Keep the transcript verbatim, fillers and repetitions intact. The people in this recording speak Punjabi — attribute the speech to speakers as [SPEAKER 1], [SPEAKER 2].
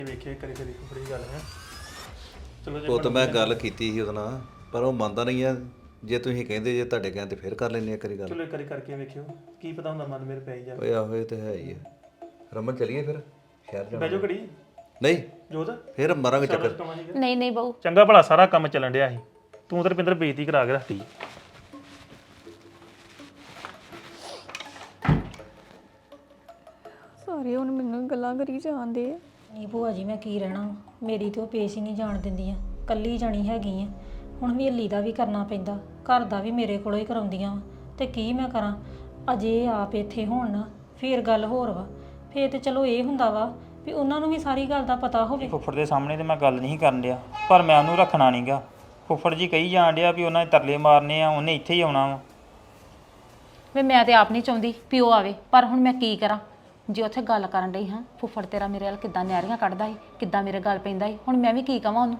[SPEAKER 1] ਵੇਖੇ ਕਰੀ ਕਰੀ ਬੜੀ ਗੱਲ ਹੈ ਚਲੋ ਜੇ
[SPEAKER 2] ਉਹ ਤਾਂ ਮੈਂ ਗੱਲ ਕੀਤੀ ਸੀ ਉਹਦੇ ਨਾਲ ਪਰ ਉਹ ਮੰਨਦਾ ਨਹੀਂ ਆ ਜੇ ਤੁਸੀਂ ਕਹਿੰਦੇ ਜੇ ਤੁਹਾਡੇ ਕਹਿਣ ਤੇ ਫਿਰ ਕਰ ਲੈਂਦੇ ਆ ਕਰੀ ਗੱਲ
[SPEAKER 1] ਚਲੋ ਇੱਕ ਵਾਰੀ ਕਰਕੇ ਵੇਖਿਓ ਕੀ ਪਤਾ ਹੁੰਦਾ ਮਨ ਮੇਰੇ ਪੈ ਹੀ ਜਾਵੇ
[SPEAKER 2] ਓਏ ਆਹੋ ਇਹ ਤਾਂ ਹੈ ਹੀ ਆ ਰਮਨ ਚਲੀਏ ਫਿਰ ਸ਼ਹਿਰ ਜਾਣਾ
[SPEAKER 1] ਬੈਜੋ ਘੜੀ
[SPEAKER 2] ਨਹੀਂ
[SPEAKER 1] ਜੋਤ
[SPEAKER 2] ਫਿਰ ਮਾਰਾਂਗੇ ਚੱਕਰ
[SPEAKER 3] ਨਹੀਂ ਨਹੀਂ ਬਾਊ
[SPEAKER 1] ਚੰਗਾ ਭਲਾ ਸਾਰਾ ਕੰਮ ਚੱਲਣ ਡਿਆ ਸੀ ਤੂੰ ਤੇ ਰੁਪਿੰਦਰ ਬੇਇੱਜ਼ਤੀ ਕਰਾ ਕੇ ਰੱਖਤੀ
[SPEAKER 4] ਸਾਰੇ ਹੁਣ ਮੈਨੂੰ ਗੱਲਾਂ ਕਰੀ ਜਾਂਦੇ ਆ
[SPEAKER 5] ਨਹੀਂ ਭੂਆ ਜੀ ਮੈਂ ਕੀ ਰਹਿਣਾ ਵਾ। ਮੇਰੀ ਤੇ ਉਹ ਪੇਸ਼ ਹੀ ਨਹੀਂ ਜਾਣ ਦਿੰਦੀਆਂ ਕੱਲੀ ਜਾਣੀ ਹੈਗੀ ਆ ਹੁਣ ਹਵੇਲੀ ਦਾ ਵੀ ਕਰਨਾ ਪੈਂਦਾ ਘਰ ਦਾ ਵੀ ਮੇਰੇ ਕੋਲੋਂ ਹੀ ਕਰਾਉਂਦੀਆਂ ਵਾ ਤੇ ਕੀ ਮੈਂ ਕਰਾਂ ਅਜੇ ਆਪ ਇੱਥੇ ਹੋਣ ਨਾ ਫੇਰ ਗੱਲ ਹੋਰ ਵਾ ਫੇਰ ਤੇ ਚਲੋ ਇਹ ਹੁੰਦਾ ਵਾ ਵੀ ਉਹਨਾਂ ਨੂੰ ਵੀ ਸਾਰੀ ਗੱਲ ਦਾ ਪਤਾ ਹੋਵੇ
[SPEAKER 6] ਫੁੱਫੜ ਦੇ ਸਾਹਮਣੇ ਤੇ ਮੈਂ ਗੱਲ ਨਹੀਂ ਕਰਨ ਡਿਆ ਪਰ ਮੈਂ ਉਹਨੂੰ ਰੱਖਣਾ ਨਹੀਂਗਾ ਫੁੱਫੜ ਜੀ ਕਹੀ ਜਾਣ ਡਿਆ ਵੀ ਉਹਨਾਂ ਦੇ ਤਰਲੇ ਮਾਰਨੇ ਆ ਉਹਨੇ ਇੱਥੇ ਹੀ ਆਉਣਾ ਵਾ
[SPEAKER 3] ਵੇ ਮੈਂ ਤੇ ਆਪ ਨਹੀਂ ਚਾਹੁੰਦੀ ਪਿਓ ਆਵੇ ਪਰ ਹੁਣ ਮੈਂ ਕੀ ਕਰਾਂ ਜੇ ਉੱਥੇ ਗੱਲ ਕਰਨ ਡਈ ਹਾਂ ਫੁੱਫੜ ਤੇਰਾ ਮੇਰੇ ਵੱਲ ਕਿੱਦਾਂ ਨਿਆਰੀਆਂ ਕੱਢਦਾ ਸੀ ਕਿੱਦਾਂ ਮੇਰੇ ਗੱਲ ਪੈਂਦਾ ਸੀ ਹੁਣ ਮੈਂ ਵੀ ਕੀ ਕਵਾਂ ਉਹਨੂੰ